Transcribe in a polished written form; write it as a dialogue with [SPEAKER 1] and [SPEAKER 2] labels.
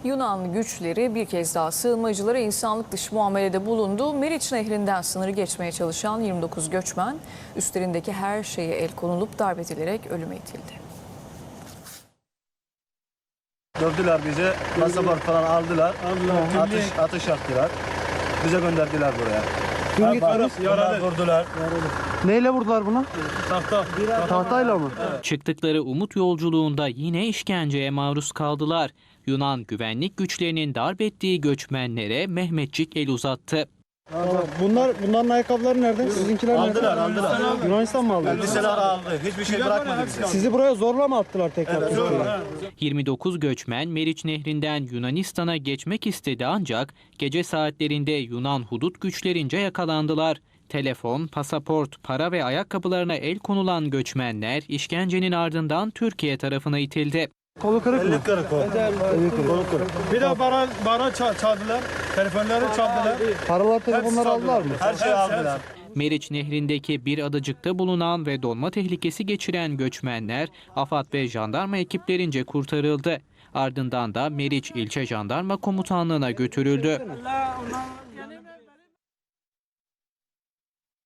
[SPEAKER 1] Yunan güçleri bir kez daha sığınmacılara insanlık dışı muamelede bulundu. Meriç Nehri'nden sınırı geçmeye çalışan 29 göçmen üstlerindeki her şeye el konulup darp edilerek ölüme itildi.
[SPEAKER 2] Dövdüler bizi, pasaport falan aldılar, atış yaptılar, bize gönderdiler buraya.
[SPEAKER 3] Kim gittiniz?
[SPEAKER 2] Bunlar vurdular.
[SPEAKER 3] Neyle vurdular buna?
[SPEAKER 2] Tahta.
[SPEAKER 3] Tahtayla mı?
[SPEAKER 4] Çıktıkları umut yolculuğunda yine işkenceye maruz kaldılar. Yunan güvenlik güçlerinin darp ettiği göçmenlere Mehmetçik el uzattı.
[SPEAKER 3] Bunların ayakkabıları nerede? Sizinkiler nerede?
[SPEAKER 2] Aldılar.
[SPEAKER 3] Yunanistan mı aldı?
[SPEAKER 2] Elbiseler aldı, hiçbir şey bırakmadı bize.
[SPEAKER 3] Sizi buraya zorla mı attılar tekrar?
[SPEAKER 2] Evet, zorla.
[SPEAKER 4] 29 göçmen Meriç Nehri'nden Yunanistan'a geçmek istedi ancak gece saatlerinde Yunan hudut güçlerince yakalandılar. Telefon, pasaport, para ve ayakkabılarına el konulan göçmenler işkencenin ardından Türkiye tarafına itildi.
[SPEAKER 3] Kolu kırık mı?
[SPEAKER 2] Kolu kırık.
[SPEAKER 5] Bir de bana çaldılar. Telefonları çaldılar.
[SPEAKER 3] Paralar, telefonları aldılar mı?
[SPEAKER 2] Her şeyi aldılar.
[SPEAKER 4] Meriç Nehri'ndeki bir adacıkta bulunan ve donma tehlikesi geçiren göçmenler AFAD ve jandarma ekiplerince kurtarıldı. Ardından da Meriç İlçe Jandarma Komutanlığı'na götürüldü.